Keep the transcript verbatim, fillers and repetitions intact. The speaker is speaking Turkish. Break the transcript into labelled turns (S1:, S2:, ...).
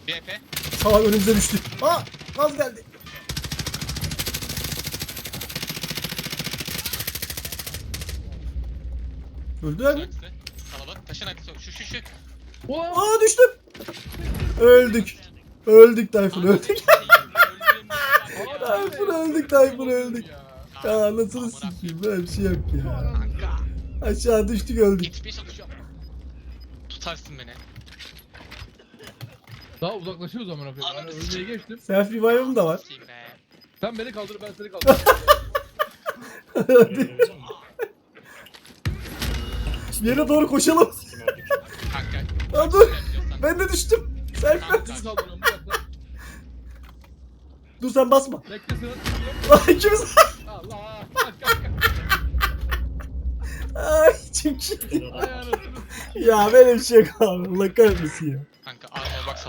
S1: B P.
S2: Sağ önümüze düştü. Aa! Gaz geldi. Öldüler mi?
S1: Arkası. Kalabalık. Taşın arkası. Şu şu şu.
S2: Aa düştüm. Öldük. Öldük Tayfun öldük. Tayfun öldük Tayfun öldük. Ya anasını sikeyim böyle bir şey yok ya.
S1: Kanka.
S2: Aşağı düştük öldük.
S1: Yetişmeye çalışıyorum. Tutarsın beni.
S3: Daha uzaklaşıyoruz amına koyayım. Yani ölmeye geçtim.
S2: Self revive'ım da var.
S1: Sikeyim be.
S3: Sen beni kaldır, ben seni kaldırırım.
S2: Hadi. Yere doğru koşalım.
S1: Kanka.
S2: Aa, dur. Ben de düştüm. Self
S1: Kanka.
S3: Seni kaldırıyorum bir dakika.
S2: Dur sen basma.
S3: Bekle sıra.
S2: Lan ikimiz.
S3: Allah. Bak kanka.
S2: Ay çok iyi.
S3: Ay anasını.
S2: Ya böyle bir şey yok abi. Allah kahretmesin ya.